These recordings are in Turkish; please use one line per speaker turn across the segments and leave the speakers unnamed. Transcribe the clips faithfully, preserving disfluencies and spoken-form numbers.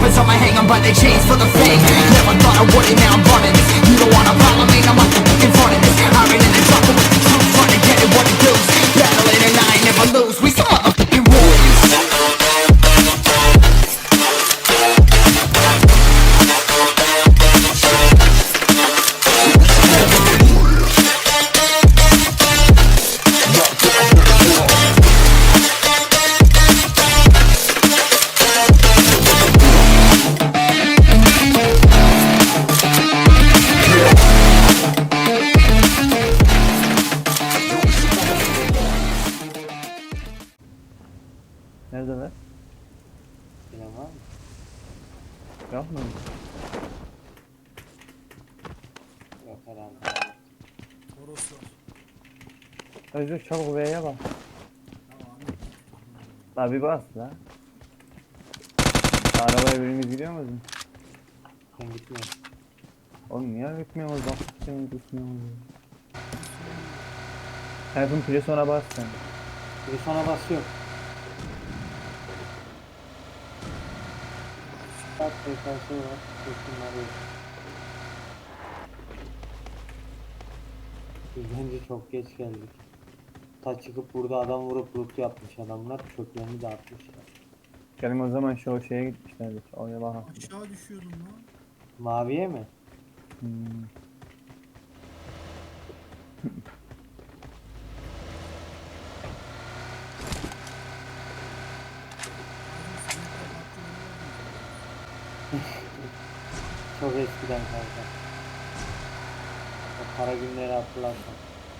was on my hang on by the chains for the fame. Never thought I would it, now I'm running this. You don't wanna follow me, I'm up to in front of this. I ran in the trouble with the truth, trying to get it what it does. Battling and I ain't never lose, we some motherfucking warriors.
Neredeler?
Bilen var mı?
Yok mu?
Yok herhalde.
Toros var.
Özür çabuk V'ye bak.
Tamam.
La bir bas la. Arabaya birimiz gidiyor mu?
Ben gitmiyorum.
Oğlum niye gitmiyoruz? Bak gitmiyoruz gitmiyoruz. Tayfun pili ona bas sen.
Bir sonra basıyor. Saat T K S var. Kesinler yok. Biz bence çok geç geldik. Ta çıkıp burada adam vurup loot yapmış adamlar. Çöplerini dağıtmışlar.
Gelin o zaman şu şeye gitmişlerdik. Oraya bakalım.
Aşağı düşüyordum lan.
Maviye mi?
Hmm.
Çok eskiden kanka. O kara günleri hatırlarsan.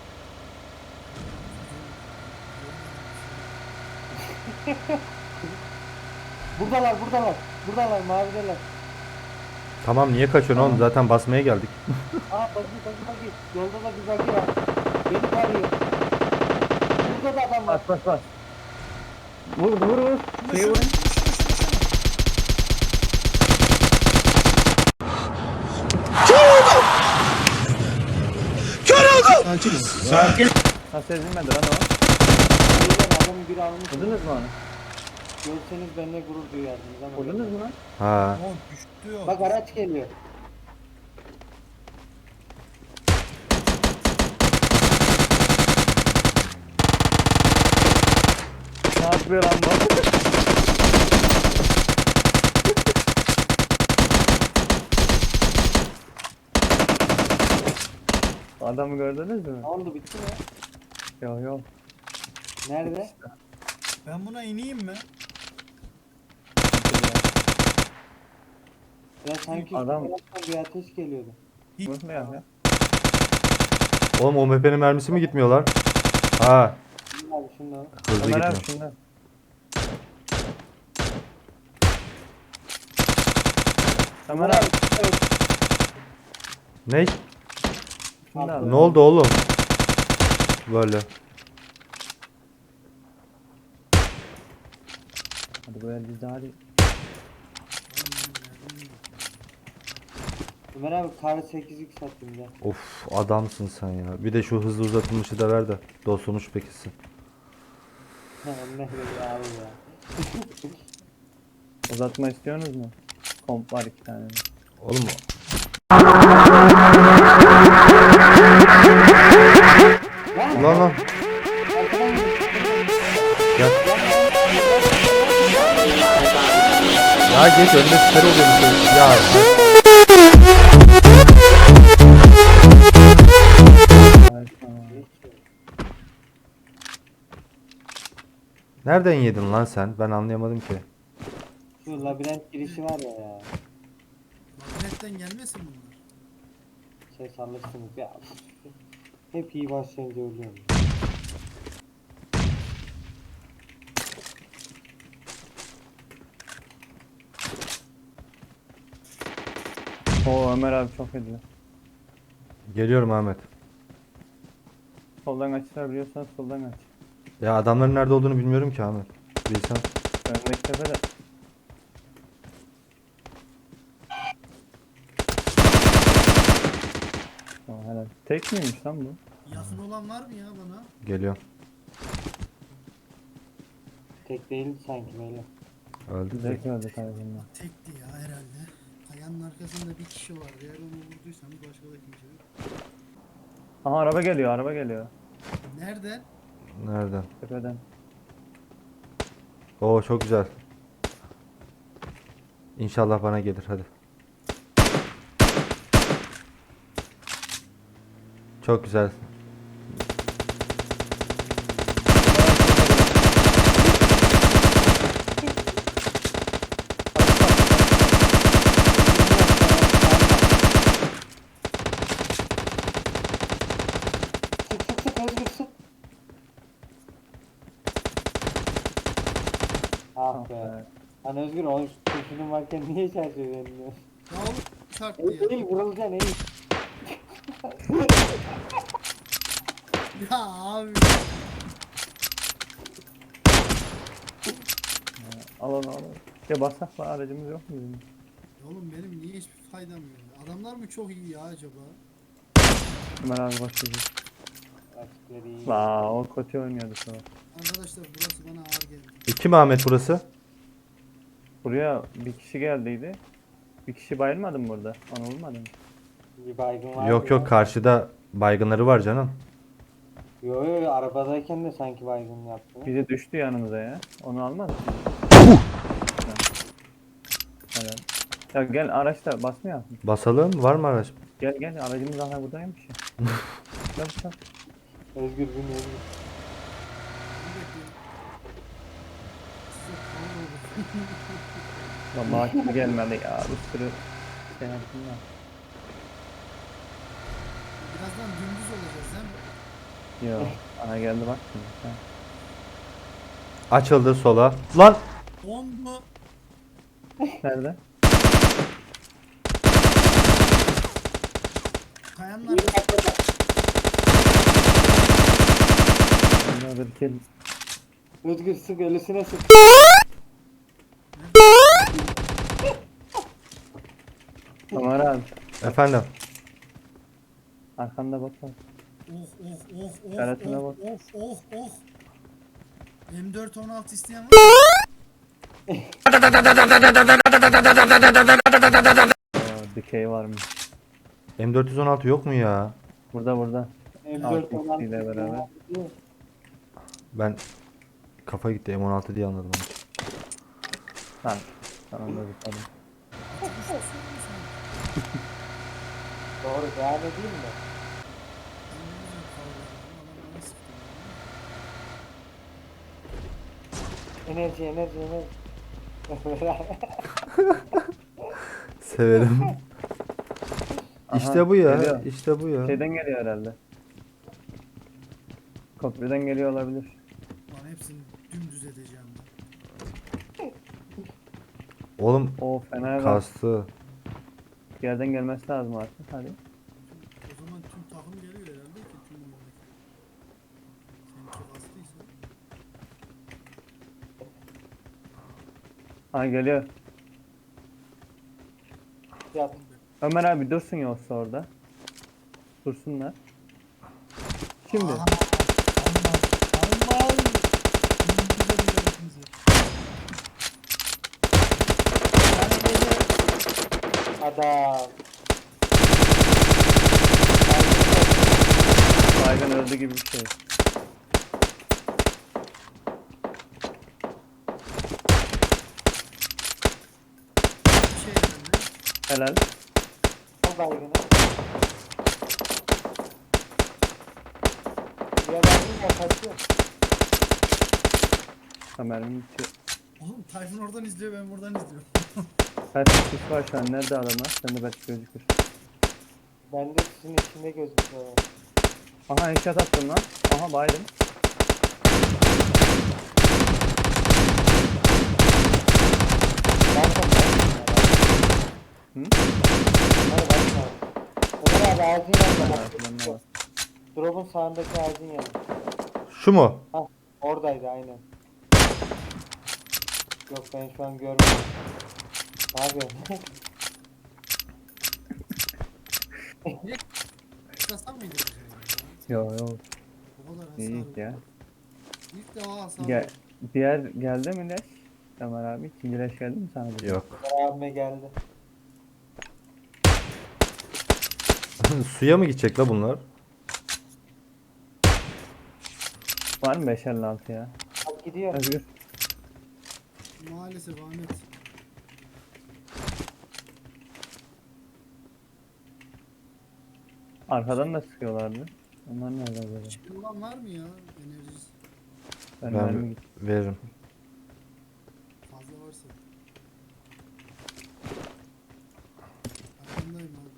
Buradalar buradalar. Buradalar mavideler.
Tamam niye kaçıyorsun oğlum? Zaten basmaya geldik.
Aa bagi bagi bagi. Yolda da bir bagi var. Beni tarıyor. Burada da adam var.
Bas bas bas. Vur vur vur. Şeyi vurun. Nasıl ezilmedi lan o?
Buradan adamı biri almış.
Vurdunuz mu onu?
Görseniz benimle gurur duyardınız ama.
Vurdunuz mu lan?
Ha.
Lan düştü ya.
Bak araç geliyor.
Ne yapıyor lan bu? Adamı gördünüz mü?
Ne oldu bitti mi?
Yok yok.
Nerede?
Ben buna ineyim mi?
Ya sanki
Adam-
şu taraftan bir ateş geliyordu.
Vurma ya. ya.
Oğlum o M P'nin mermisi mi gitmiyor lan? Ha.
Şimdi abi şundan.
Hızlı
Ömer abi
gitmiyor.
şundan. Ömer abi
Ne?
şundan.
Ne oldu oğlum? Böyle.
Hadi bu el bizde hadi.
Ömer abi kar sekiz x attım ya.
Of adamsın sen ya. Bir de şu hızlı uzatılmışı da ver de dostumuş pekilsin.
Ne böyle abi ya.
Uzatma istiyorsunuz mu? Komp var iki tane.
Oğlum lan lan. Gel. Ya geç önüne süper oluyor bir şey. Ya. Nereden yedin lan sen? Ben anlayamadım ki.
Şu labirent girişi var ya ya.
Labirentten gelmesin bunlar.
Şey sanırsınız ya. Hep iyi başlayınca ölüyorum.
Oo Ömer abi çok ediyor.
Geliyorum Ahmet.
Soldan açılar biliyorsan soldan aç.
Ya adamların nerede olduğunu bilmiyorum ki Ahmet. Bilsem.
Önündeki tepede. Tamam helal. Tek miymiş lan bu?
Yakın olan var mı ya bana?
Geliyorum.
Tek değil sanki böyle.
Öldü.
Zevk öldü kardeşimden.
Tekti ya. Kayanın arkasında bir kişi var. Eğer onu vurduysanız başka da kimse yok.
Aha araba geliyor, araba geliyor.
Nereden?
Nereden?
Tepeden.
Oo çok güzel. İnşallah bana gelir hadi. Çok güzel.
Sık sık sık Özgür sık. Ah be.
Evet.
Lan Özgür o kurşunun varken niye şarjı vermiyorsun?
Ya oğlum çarptı
Eğil
ya.
eğil vurulacaksın eğil.
Ya abi.
Al onu al. onu. Ya bassak var, aracımız yok mu bizim?
Ya oğlum benim niye hiçbir faydam yok? Adamlar mı çok iyi ya acaba?
Ömer abi başlayacak.
Açıkları iyi.
La o kötü oynuyordu sonra.
Arkadaşlar burası bana ağır geldi.
E, Kim Ahmet burası?
Buraya bir kişi geldiydi. Bir kişi bayılmadı mı burada? Onu olmadı mı?
Bir baygın var.
Yok yok karşıda baygınları var canım.
Yo yo yo, arabadayken de sanki baygın yaptı.
Biri düştü yanımıza ya. Onu almadı. Evet. Ya gel araçta basmıyor.
Basalım var mı araç?
Gel gel aracımız hala buradaymış ya. Gel gel.
Özgür bin Özgür.
Bir bekleyin. Size kavga olur.
Vallahi kimse gelmedi ya. Bir sürü şey yaptım ya.
Birazdan dümdüz olacağız değil mi?
Yo. Ana geldi bak şimdi. Ha.
Açıldı sola. Lan!
on mu?
Nerede?
Kayanın
İyi
arkasında.
hakikaten.
Nerede bir şey.
Özgür sık ölüsüne sık.
Ömer abi.
Efendim.
Arkanda bak bak.
Oh oh oh oh
İşaretine
oh
bak.
oh oh oh. M dört on altı isteyen var mı?
Oo, dikey varmış.
M dört yüz on altı yok mu ya?
Burada burada.
M
Altı
dört olan
ile beraber.
Ben kafa gitti M on altı diye anladım onu.
Lan. Tamam da zıpladım.
Doğru devam edeyim mi? Enerji enerji enerji.
Severim.
Aha,
işte bu ya.
geliyor.
İşte bu ya.
Şeyden geliyor herhalde. Köprüden geliyor olabilir.
Lan hepsini dümdüz edeceğim ben.
Oğlum
O fena bak.
kastı.
Yerden gelmesi lazım artık. Hadi.
O zaman tüm takım geliyor herhalde ki tüm oyundaki. Seninki bastıysa.
Ha geliyor.
Yat.
Ömer abi dursun yoksa orada. Dursunlar. Şimdi.
Aman aman. Dümdüz edeceğim hepinizi.
Adam.
Baygın öldü gibi bir şey.
Bir şey herhalde.
Helal.
Al baygını. Ya baygın ya kaçıyor.
Ömer'in içi.
Oğlum Tayfun oradan izliyor ben buradan izliyorum.
Kaç kişi var şu an? Nerede adamlar? Sen de belki gözükür.
Ben de sizin içinde gözüküyor.
Aha headshot attım lan. Aha baydım.
Ben de baygın ya.
Hı?
Hadi baygın abi. Ömer abi ağacın
Ben
yanında.
var. Ben de var.
Drop'un sağındaki ağacın yanında.
Şu mu?
Hah oradaydı aynen. Yok ben şu an görmüyorum. Ne yapıyorsun?
Kısasam mıydı bu şey?
Yo yo.
O kadar hasar.
İyi ya.
İlk defa hasar.
Gel, diğer geldi mi leş? Ömer abi ikinci leş geldi mi sana?
Yok.
Abime geldi.
Suya mı gidecek la bunlar?
Var mı beş elli altı ya?
Bak gidiyor.
Özgür.
Maalesef Ahmet.
Arkadan da sıkıyorlardı. Onlar nerede acaba?
Şey olan var mı ya? Enerjisi
Ben,
Ben
mermi git.
veririm.
fazla varsa. Arkandayım abi.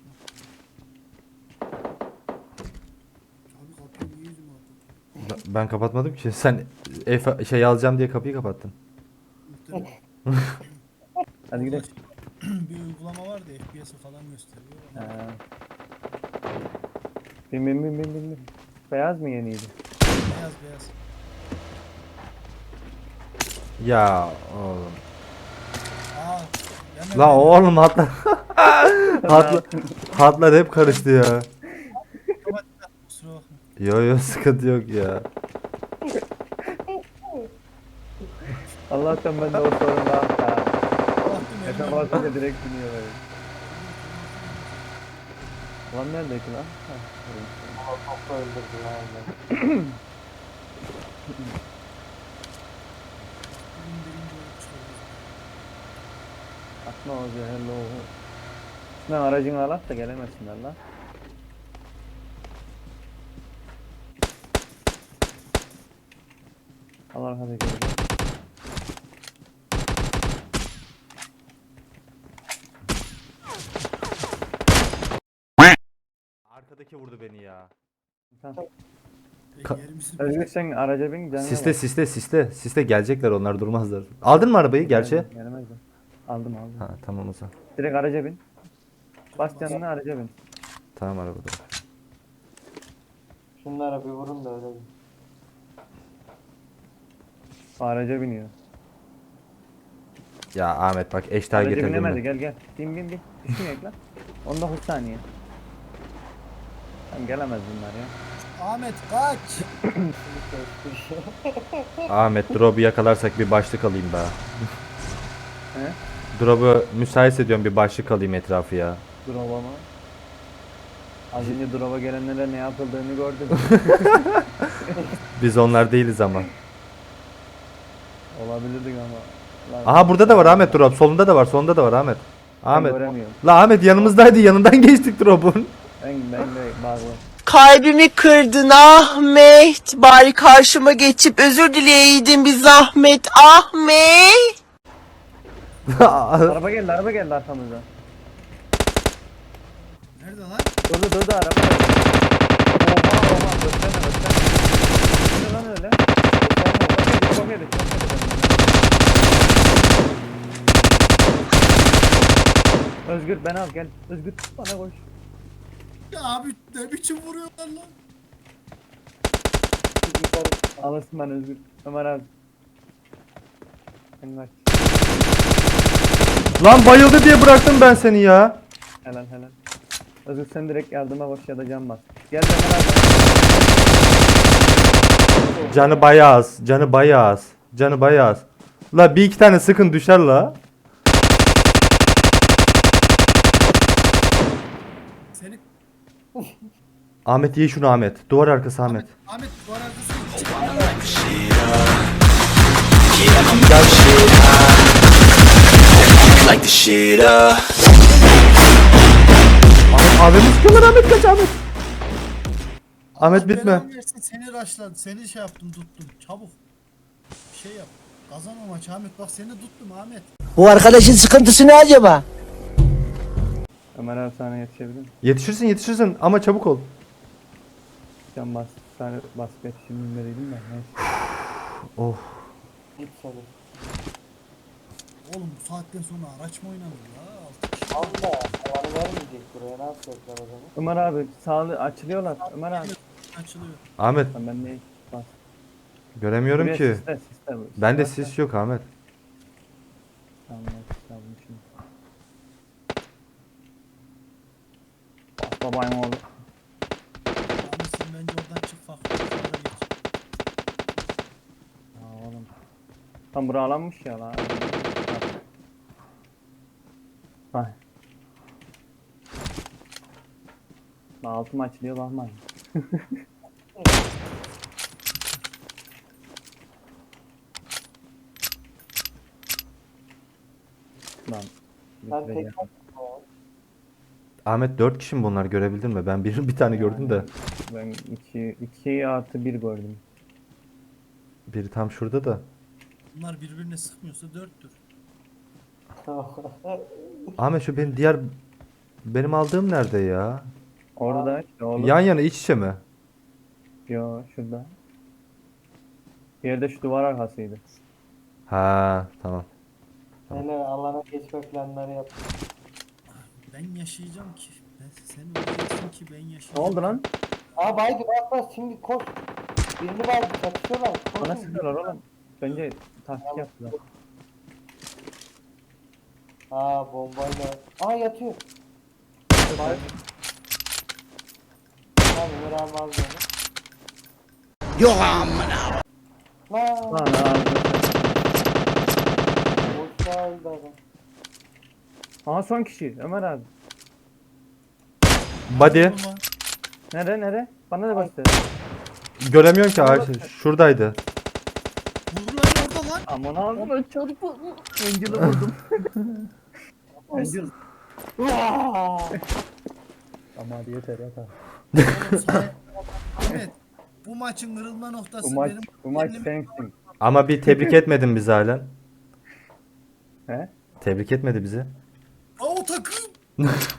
Abi kapıyı niye yüzüme attın?
Ben- Ben kapatmadım ki. Sen F şey alacağım diye kapıyı kapattın.
Muhtemelen.
Hadi gidelim.
Bir uygulama var da F P S'i falan gösteriyor. Ama
Ha. Bin bin bin bin bin bin. Beyaz mı yeniydi?
beyaz beyaz.
Ya oğlum.
Aa. Hemen
La oğlum hatlar. hatlar, hatlar hep karıştı ya.
kusura bakma.
Yo yo sıkıntı yok ya.
Allah'tan ben de o sorun var.
Baktım
Efe
elime.
basınca direkt biniyor böyle. Lan neredeki lan? Ha,
Çok öldürdü lan.
Bugün birinci olup çıkıyoruz.
Atma o zehirli o. Şundan aracını alak da gelemesinler lan. Al arkadaki.
Arkadaki vurdu beni ya.
Tamam.
Peki
Ka-
yerimizi
Özgür sen araca bin canına
Siste
bak.
siste siste. Siste gelecekler onlar durmazlar. Aldın mı arabayı gerçi?
Gelemez- Gelemezler. Aldım aldım.
Ha tamam o zaman.
Direkt araca bin. Bas canına araca bin.
Tamam arabada.
Şunlara bir vurun da öyle. bir-
O araca biniyor.
Ya Ahmet bak eşler
Araca
getirdim
binemedi
ben.
gel gel. Bin bin bin. Düşmeyek lan. on dokuz saniye. Tamam gelemez bunlar ya.
Ahmet kaç.
Ahmet drop'u yakalarsak bir başlık alayım be.
He?
Drop'u müsait ediyorum bir başlık alayım etrafı ya.
Drop'a mı? Az önce drop'a gelenlere ne yapıldığını gördüm.
Biz onlar değiliz ama.
Olabilirdik ama. Lan,
Aha burada da var Ahmet drop. Solunda da var. Solunda da var Ahmet.
ben
Ahmet.
göremiyorum.
La Ahmet yanımızdaydı. Yanından geçtik drop'un.
Ben, ben de bağlı.
Kalbimi kırdın Ahmet. Bari karşıma geçip özür dileyeydin bir zahmet Ahmet.
Araba geldi araba geldi arkamızdan.
Nerede lan?
Durdu durdu araba geldi. Oha oha gösterme gösterme. Ne lan öyle? Gösterme. Çok yedi çok yedi çok yedi. Özgür ben al gel. Özgür bana koş.
Ya abi ne biçim vuruyorlar lan?
Alırsın ben Özgür. Ömer abi. Sen kaç.
Lan bayıldı diye bıraktım ben seni ya.
Helal helal. Özgür sen direkt yardıma koş ya da can bas. Gel Ömer abi.
Canı bayağı az. Canı bayağı az. Canı bayağı az. La bir iki tane sıkın düşer la.
Seni
Ahmet ye şunu Ahmet. Duvar arkası Ahmet.
Ahmet bu arkasını
Like the shit up.
Ahmet abimi sıkıyorlar Ahmet kaç Ahmet. Ahmet
Allah
bitme.
belanı versin, seni raşladı. Seni şey yaptım tuttum. Çabuk. Bir şey yap. Kazan o maçı Ahmet. Bak seni tuttum Ahmet.
Bu arkadaşın sıkıntısı ne acaba?
Ömer abi sana yetişebilir mi?
Yetişirsin yetişirsin ama çabuk ol.
Can bas. Sana bas geç şimdi vereydim de. Neyse.
Oh.
Git seni.
Oğlum bu saatten sonra araç mı oynanır ya? Altı kişi.
Allah. Alanı vermeyecek buraya. Ne yapacaklar o zaman?
Ömer abi sağlı açılıyorlar. Ömer abi.
Açılıyor.
Ahmet
Lan ben neyi? Bas.
göremiyorum
Buraya
ki.
sisle, sisle bu.
Bende
Bas, bas.
sis yok Ahmet.
Tamam ben sisle aldım şimdi. Bas babayım oğlu.
Ahmet sen bence oradan çık farklı. bir tarafa geç.
Aa oğlum. Tam bura alanmış ya lan. Bak. Altı maç diyor bakmayın. Lan.
Ben tek
bitireceğim.
Ahmet dört kişi mi bunlar, görebildin mi? Ben bir, bir tane gördüm de.
Ben iki, iki artı bir gördüm.
Biri tam şurada da.
Bunlar birbirine sıkmıyorsa dörttür.
Ahmet şu benim diğer benim aldığım nerede ya?
Orada işte oğlum.
Yan yana iç içe mi?
Yo şurada. Bir yerde şu duvar arkasıydı.
Ha tamam.
Hele alana geçme planları yap.
Ben yaşayacağım ki. Ben, sen öleceksin ki ben yaşayacağım.
Ne oldu lan?
Aa baydı bak bak şimdi koş. Birini baydı çatışıyorlar.
Bana
Koşun.
sıkıyorlar oğlum. Bence taktik yaptılar.
Aa bombayla. Aa yatıyor. Bay. Tamam Ömer abi aldı onu.
Yok amına.
Lan
Lan abi.
boşluğa öldü adam.
Aha son kişi Ömer abi.
Body.
Vurma.
Nere nere? Bana da göster.
Göremiyorum ki ağaç. Şuradaydı.
Vur lan orada lan.
Aman ağzına çarpı. Angel'ı vurdum. Angel. Ama hadi yeter yeter.
Oğlum sana- Ahmet, bu maçın kırılma noktası
Bu maç,
benim
bu maç
kendim-
sensin.
Ama bir tebrik etmedin bizi halen.
He?
Tebrik etmedi bizi.
Aa, o takım.